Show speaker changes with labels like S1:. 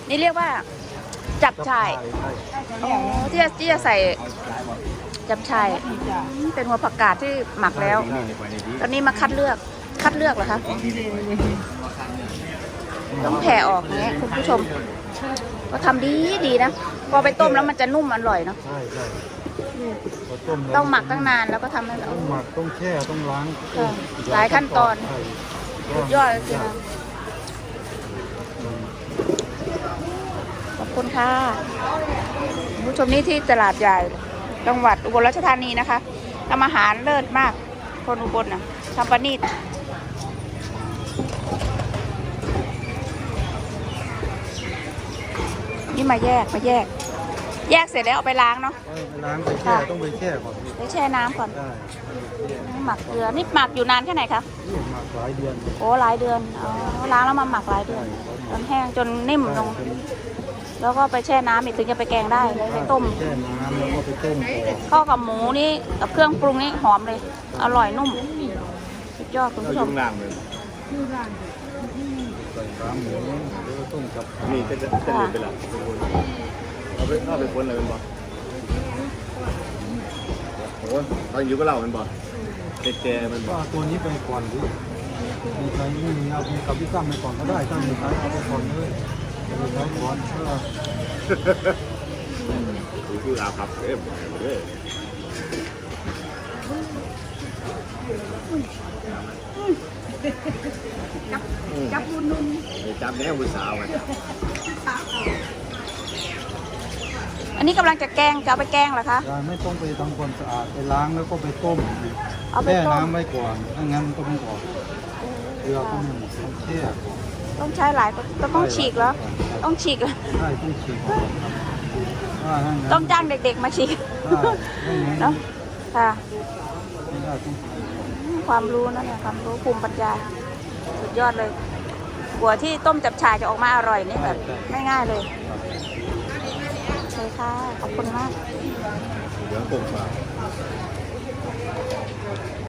S1: นี่เรียกว่าจับฉ่ายอ๋อที่จะใส่จับฉ่ายเป็นหัวผักกาดที่หมักแล้ว ตอนนี้มาคัดเลือกเหรอคะต้องแผ่ออกอย่างเงี้ยคุณผู้ชมก็ทำดีนะพอไปต้มแล้วมันจะนุ่มอร่อยเนาะ
S2: ใช่
S1: ต้องหมักตั้งนานแล้วก็ทำให้เรา
S2: ต้องหมักต้องแช่ต้องล้าง
S1: หลายขั้นตอน
S2: ใช่
S1: สุดยอดเลยสินะขอบคุณค่ะคุณผู้ชมนี่ที่ตลาดใหญ่จังหวัดอุบลราชธานีนะคะทำอาหารเลิศมากคนอุบลนะทำปานีตนี่มาแยกเสร็จแล้วเอาไปล้างเนาะ
S2: ไปล้างไปแช่ต้องไปแช่ก่อน
S1: ไปแช่น้ำก่อน
S2: ได้
S1: หมักเกลือนี่หมักอยู่นานแค่ไหนคะ
S2: นี่หมักหลายเดือน
S1: โอ้หลายเดือนอ๋อล้างแล้วมาหมักหลายเดือนจนแห้งจนนิ่มลงแล้วก็ไปแช่น้ำอีกถึงจะไปแกงได้ไปต้ม
S2: แช่น้ำแล้วก็ไปต้มก่อน
S1: ข้าวกับหมูนี่กับเครื่องปรุงนี่หอมเลยอร่อยนุ่มสุดยอดคุณผู้ชม
S3: ล่างเลย
S2: ใส่ขาหมูแล้วก็ต้มกับ
S3: นี่จะเดินไปละเอาไปพ้นอะไรเป็นบ่โอ้ตอนอยู่ก็เล่าเป็นบ่แกมันบ่
S2: ว่าตัวนี้ไปก่อนดิมีใครไม่มีเอากับพี่ตั้มไปก่อนก็ได้ถ้ามีใครเอาไปก่อนเลยเอาไปก่อน
S3: คืออาภัพเอ๊ะเลย
S1: จับนุ่น
S3: จับแน่บุษาวอ่ะ
S1: อันนี้กำลังจะแกงจะเอาไปแกงเหรอคะ
S2: ไม่ต้องไปทำความสะอาดไปล้างแล้วก็ไปต้ม
S1: เอาไป
S2: แช่
S1: ต้ม
S2: น้ำไว้ก่อนถ้างั้นก็ไม่ออกเกลือก็ไม่หมดต้องแช่ก่อน
S1: ต้องใช้หลายต้องฉีกแล้วต้องฉีกแล้ว
S2: ใช่ต้องฉีกก่อนครับถ้างั้น
S1: ต้องจ้างเด็กๆมาฉีก
S2: ไม่งั้น
S1: เนาะค่ะ
S2: ไม่ได้ต้องฉีกก่อน
S1: ความรู้นะเนี่ยความรู้ภูมิปัญญาสุดยอดเลยหัวที่ต้มจับฉ่ายจะออกมาอร่อยนี่แบบง่ายๆเลยใช่ค่ะขอบคุณมาก
S3: เหลืองกลมฟ้า